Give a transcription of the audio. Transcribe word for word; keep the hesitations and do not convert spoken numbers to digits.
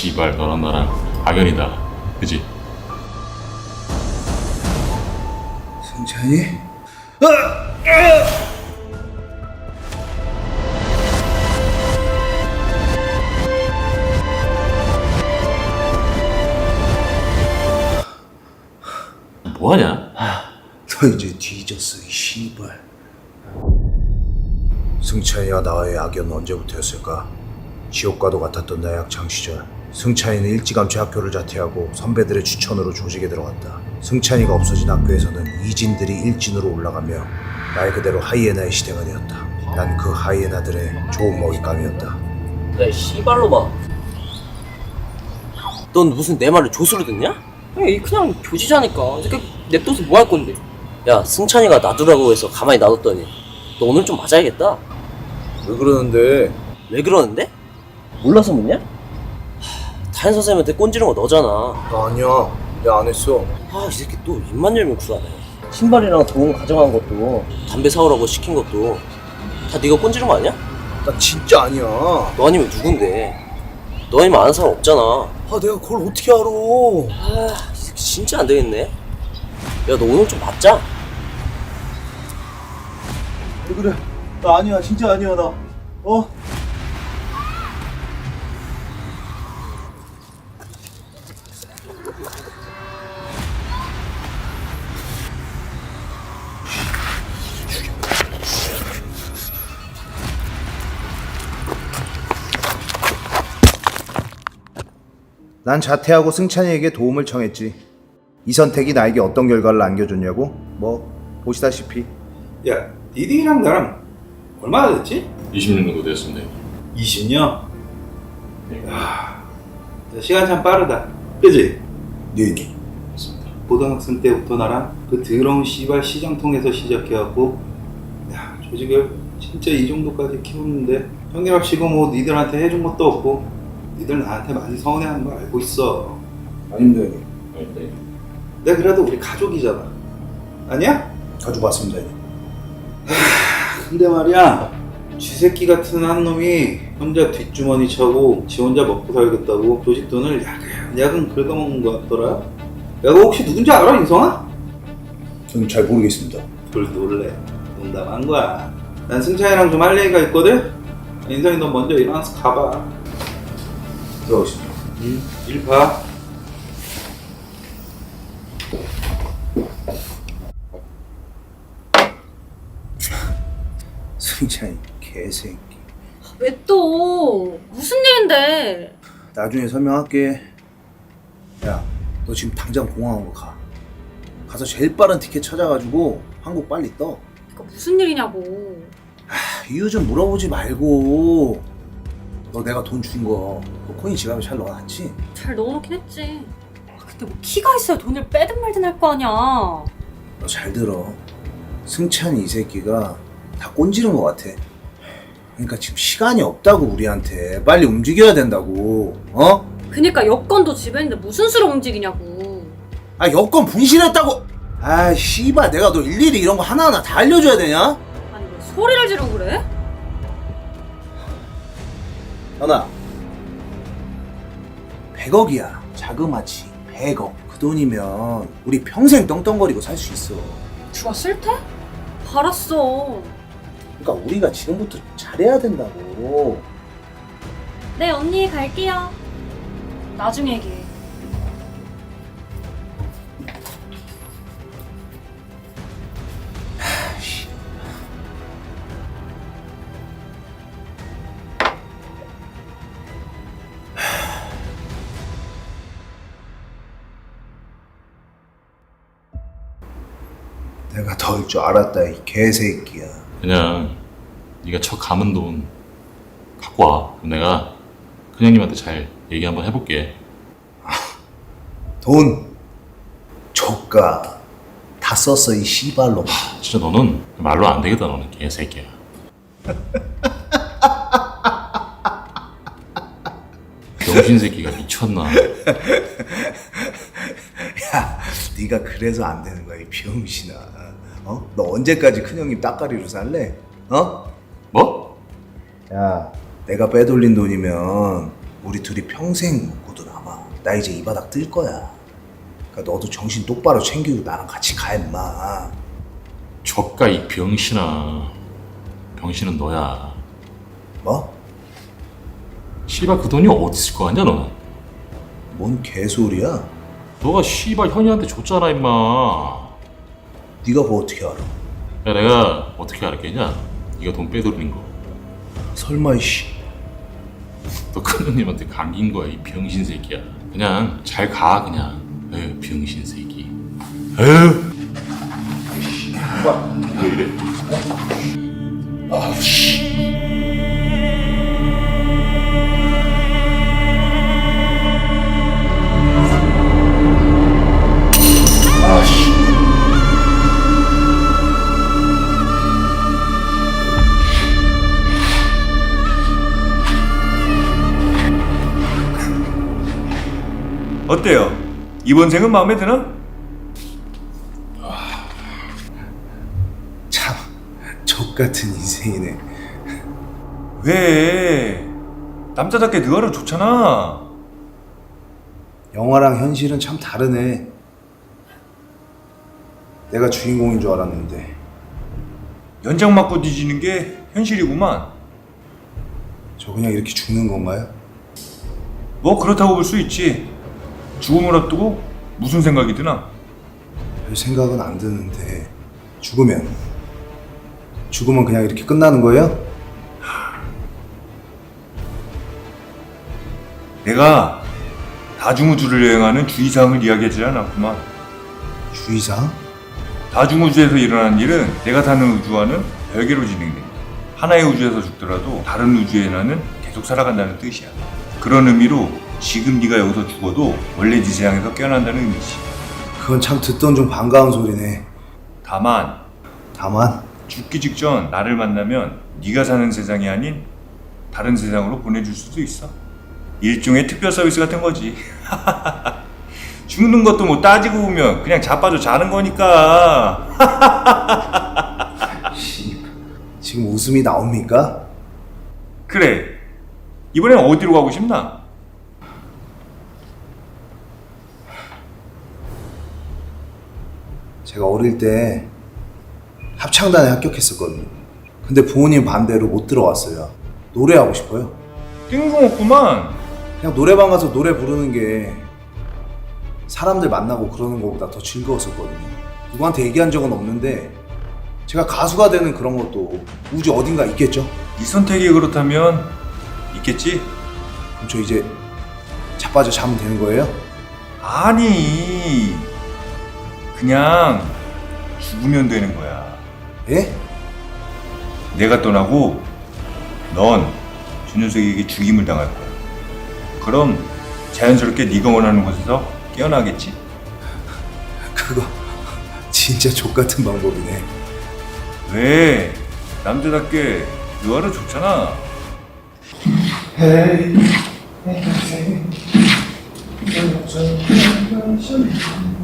씨발 너랑 나랑 악연이다. 그지? 승찬이? 뭐하냐? 너 이제 뒤졌어 이 씨발. 승찬이와 나와의 악연은 언제부터였을까? 지옥과도 같았던 내 학창 시절, 승찬이는 일찌감치 학교를 자퇴하고 선배들의 추천으로 조직에 들어갔다. 승찬이가 없어진 학교에서는 이진들이 일진으로 올라가며 말 그대로 하이에나의 시대가 되었다. 난 그 하이에나들의 좋은 먹잇감이었다. 야, 이 씨발로마. 넌 무슨 내 말을 조수로 듣냐? 야, 그냥 교지자니까. 이렇게 냅둬서 뭐 할 건데? 야, 승찬이가 놔두라고 해서 가만히 놔뒀더니 너 오늘 좀 맞아야겠다. 왜 그러는데? 왜 그러는데? 몰라서 묻냐? 하, 다현 선생님한테 꼰지른 거 너잖아. 나 아니야. 내가 안 했어. 아, 이 새끼 또 입만 열면 구라네. 신발이랑 돈 가져간 것도, 담배 사오라고 시킨 것도 다 네가 꼰지른 거 아니야? 나 진짜 아니야. 너 아니면 누군데? 너 아니면 아는 사람 없잖아. 아 내가 그걸 어떻게 알아? 아, 이 새끼 진짜 안 되겠네. 야, 너 오늘 좀 맞자. 왜 그래? 나 아니야. 진짜 아니야 나. 어? 난 자퇴하고 승찬이에게 도움을 청했지. 이 선택이 나에게 어떤 결과를 안겨줬냐고? 뭐 보시다시피. 야, 니들이랑 나랑 얼마나 됐지? 이십 년 정도 됐습니다. 이십 년? 네. 야, 시간 참 빠르다. 그지? 네. 맞습니다. 고등학생 때부터 나랑 그 더러운 씨발 시장통에서 시작해갖고 야, 조직을 진짜 이 정도까지 키웠는데 형님합시고 뭐 니들한테 해준 것도 없고 니들 나한테 많이 서운해하는 거 알고 있어. 아닙니다 형님. 네. 내가 그래도 우리 가족이잖아. 아니야? 가지고 왔습니다 형님. 근데 말이야, 쥐새끼 같은 한 놈이 혼자 뒷주머니 차고 지 혼자 먹고 살겠다고 조직 돈을 야금야금 긁어먹는 거 같더라. 야, 너 혹시 누군지 알아, 인성아? 저는 잘 모르겠습니다. 돌 놀래. 농담한 거야. 난 승찬이랑 좀 할 얘기가 있거든? 인성이 너 먼저 일어나서 가봐. 들어오십시오. 응, 일 봐. 승찬이 개새끼. 왜 또? 무슨 일인데? 나중에 설명할게. 야, 너 지금 당장 공항으로 가. 가서 제일 빠른 티켓 찾아가지고 한국 빨리 떠. 그러니까 무슨 일이냐고. 아, 이유 좀 물어보지 말고. 너 내가 돈 준 거, 그 코인 지갑에 잘 넣어놨지? 잘 넣어놓긴 했지. 아, 근데 뭐 키가 있어야 돈을 빼든 말든 할 거 아니야. 너 잘 들어. 승찬이 이 새끼가 다 꼰지른 것 같아. 그러니까 지금 시간이 없다고 우리한테. 빨리 움직여야 된다고. 어? 그니까 여권도 집에 있는데 무슨 수로 움직이냐고. 아 여권 분실했다고. 아 씨발 내가 너 일일이 이런 거 하나하나 다 알려줘야 되냐? 아니 왜 소리를 지르고 그래? 현아 백억이야. 자그마치 백억. 그 돈이면 우리 평생 떵떵거리고 살 수 있어. 주가 싫대? 알았어. 그러니까 우리가 지금부터 잘해야 된다고. 네 언니 갈게요. 나중에 얘기해. 내가 더울 줄 알았다 이 개새끼야. 그냥 네가 쳐 감은 돈 갖고 와. 그럼 내가 큰형님한테 잘 얘기 한번 해볼게. 돈 조카 다 썼어 이 씨발로. 진짜 너는 말로 안 되겠다. 너는 개새끼야. 병신 새끼가 미쳤나? 야, 네가 그래서 안 되는 거야 이 병신아. 어? 너 언제까지 큰형님 따까리로 살래? 어? 뭐? 야, 내가 빼돌린 돈이면 우리 둘이 평생 먹고도 남아. 나 이제 이 바닥 뜰 거야. 그러니까 너도 정신 똑바로 챙기고 나랑 같이 가 임마. 족가 이 병신아. 병신은 너야. 뭐? 씨발 그 돈이 어디 있을 거 아니야 너는? 뭔 개소리야? 너가 씨발 현이한테 줬잖아 임마. 네가 그거 어떻게 알아? 야 내가 어떻게 알았겠냐? 네가 돈 빼돌린 거. 설마 이씨. 너 큰형님한테 감긴 거야 이 병신 새끼야. 그냥 잘 가 그냥. 에휴 병신 새끼. 에휴. 왜 이래? 아우 씨. 아씨. 어때요? 이번 생은 마음에 드나? 참 족같은 인생이네. 왜? 남자답게 느와르 좋잖아. 영화랑 현실은 참 다르네. 내가 주인공인 줄 알았는데. 연장 맞고 뒤지는 게 현실이구만. 저 그냥 이렇게 죽는 건가요? 뭐 그렇다고 볼 수 있지. 죽음을 앞두고 무슨 생각이 드나? 별 생각은 안 드는데 죽으면 죽으면 그냥 이렇게 끝나는 거예요? 내가 다중우주를 여행하는 주의사항을 이야기하지 않았구만. 주의사항? 다중우주에서 일어나는 일은 내가 사는 우주와는 별개로 진행돼. 하나의 우주에서 죽더라도 다른 우주에 나는 계속 살아간다는 뜻이야. 그런 의미로 지금 네가 여기서 죽어도 원래 네 세상에서 깨어난다는 의미지. 그건 참 듣던 좀 반가운 소리네. 다만 다만 죽기 직전 나를 만나면 네가 사는 세상이 아닌 다른 세상으로 보내줄 수도 있어. 일종의 특별 서비스 같은 거지. 죽는 것도 뭐 따지고 보면 그냥 자빠져 자는 거니까. 지금 웃음이 나옵니까? 그래, 이번엔 어디로 가고 싶나? 제가 어릴 때 합창단에 합격했었거든요. 근데 부모님 반대로 못 들어갔어요. 노래하고 싶어요. 뜬금없구만. 그냥 노래방 가서 노래 부르는 게 사람들 만나고 그러는 것보다 더 즐거웠었거든요. 누구한테 얘기한 적은 없는데 제가 가수가 되는 그런 것도 우주 어딘가 있겠죠? 네 선택이 그렇다면 있겠지? 그럼 저 이제 자빠져 자면 되는 거예요? 아니, 그냥 죽으면 되는 거야. 예? 내가 떠나고 넌 준현석에게 죽임을 당할 거야. 그럼 자연스럽게 네가 원하는 곳에서 깨어나겠지? 그거 진짜 족같은 방법이네. 왜? 남자답게 느와르 좋잖아. 헤이, 헤이, 헤이, 헤이, 헤이, 헤이, 헤이, 헤이, 헤이, 헤이, 헤이, 헤이, 헤이, 헤이, 헤이, 헤이, 헤이,